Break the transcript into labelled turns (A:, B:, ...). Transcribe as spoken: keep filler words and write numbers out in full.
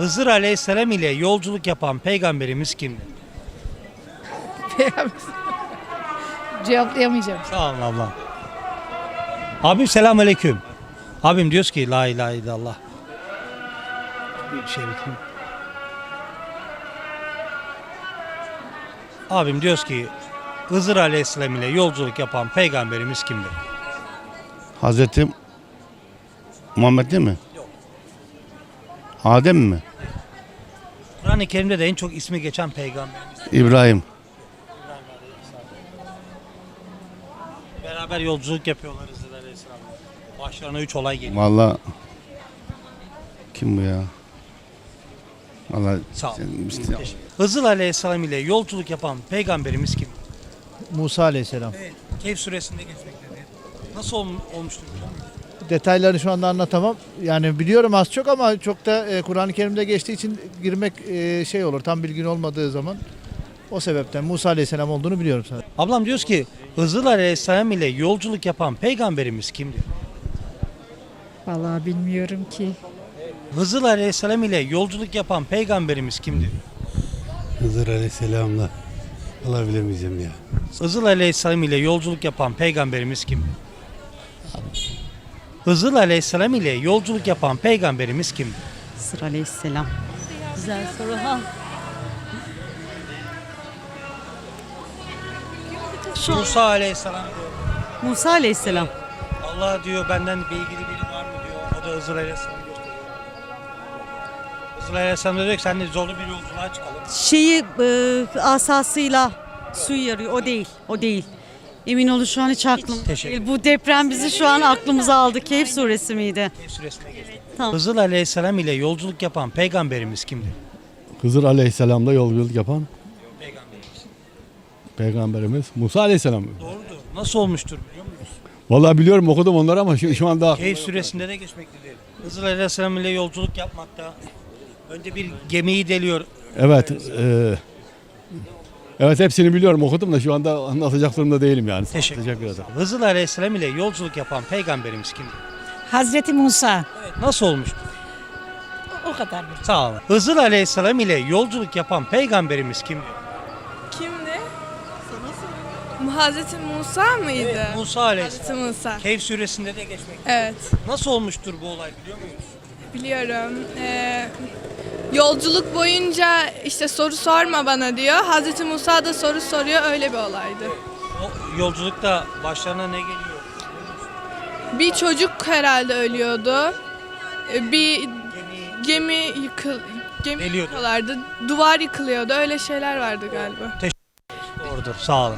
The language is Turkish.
A: Hızır Aleyhisselam ile yolculuk yapan peygamberimiz kimdir?
B: Cevaplayamayacağım.
A: Sağ olun ablam. Abim selamünaleyküm. Abim diyoruz ki la ilahe illallah. Bir şey bakayım. Abim diyoruz ki Hızır Aleyhisselam ile yolculuk yapan peygamberimiz kimdir?
C: Hazreti Muhammed değil mi?
A: Yok.
C: Adem mi?
A: Kur'an-ı Kerim'de de en çok ismi geçen peygamberimiz.
C: İbrahim.
A: Beraber yolculuk yapıyorlar Hızır Aleyhisselam'la. Başlarına üç olay geliyor.
C: Vallahi kim bu ya? Vallahi
A: Sağ ol.
C: sen- işte-
A: Teşekkür. Hızır Aleyhisselam ile yolculuk yapan peygamberimiz kim?
D: Musa Aleyhisselam.
A: Evet. Kehf suresinde geçmektedir. Nasıl ol, olmuştur biliyor musun?
D: Detaylarını şu anda anlatamam. Yani biliyorum az çok ama çok da e, Kur'an-ı Kerim'de geçtiği için girmek e, şey olur. Tam bilgin olmadığı zaman o sebepten Musa Aleyhisselam olduğunu biliyorum sadece.
A: Ablam diyoruz ki Hızır Aleyhisselam ile yolculuk yapan peygamberimiz kimdir?
B: Vallahi bilmiyorum ki.
A: Hızır Aleyhisselam ile yolculuk yapan peygamberimiz kimdir?
E: Hızır Aleyhisselam'la Allah bilemeyeceğim ya.
A: Hızır Aleyhisselam ile yolculuk yapan peygamberimiz kimdir? Hızır Aleyhisselam ile yolculuk yapan peygamberimiz kimdir?
F: Hızır Aleyhisselam. Güzel soru ha. Şu
A: Musa Aleyhisselam diyor.
F: Musa Aleyhisselam.
A: Allah diyor benden bir ilgili biri var mı diyor. O da Hızır Aleyhisselam'ı gösteriyor. Hızır Aleyhisselam da diyor ki seninle zorlu bir yolculuğa çıkalım.
F: Şeyi e, asasıyla suyu yarıyor. O değil. O değil. Emin olun şu an hiç aklım
A: Teşekkür
F: değil. Bu deprem bizi şu an aklımıza aldı. Kehf suresi miydi?
A: Kehf suresine geçti.
F: Tamam.
A: Hızır Aleyhisselam ile yolculuk yapan peygamberimiz kimdir?
E: Hızır Aleyhisselam'la yolculuk yapan
A: Peygamberimiz.
E: peygamberimiz Musa Aleyhisselam.
A: Doğrudur. Nasıl olmuştur biliyor musunuz?
E: Vallahi biliyorum okudum onları ama şu, şu anda
A: Kehf suresinde de geçmektedir. Hızır Aleyhisselam ile yolculuk yapmakta. Önce bir gemiyi deliyor.
E: evet e, evet hepsini biliyorum okudum da şu anda anlatacak durumda değilim yani.
A: Teşekkür,
E: Teşekkür ederim.
A: Hızır Aleyhisselam ile yolculuk yapan peygamberimiz kimdir?
B: Hazreti Musa.
A: Evet. Nasıl olmuştur?
B: O kadar.
A: Sağ olun. Hızır Aleyhisselam ile yolculuk yapan peygamberimiz kimdir?
G: Kimdi? Hazreti Musa mıydı?
A: Evet, Musa Aleyhisselam.
G: Hazreti Musa.
A: Kehf suresinde de geçmektedir.
G: Evet,
A: Nasıl olmuştur bu olay biliyor muyuz?
G: biliyorum. Ee, yolculuk boyunca işte soru sorma bana diyor. Hazreti Musa da soru soruyor. Öyle bir olaydı.
A: O yolculukta başlarına ne geliyor?
G: Bir çocuk herhalde ölüyordu. Ee, Bir
A: Gemi
G: gemi yıkıl gemi
A: Geliyordu.
G: yıkıyorlardı. Duvar yıkılıyordu. Öyle şeyler vardı galiba.
A: doğrudur. Sağ olun.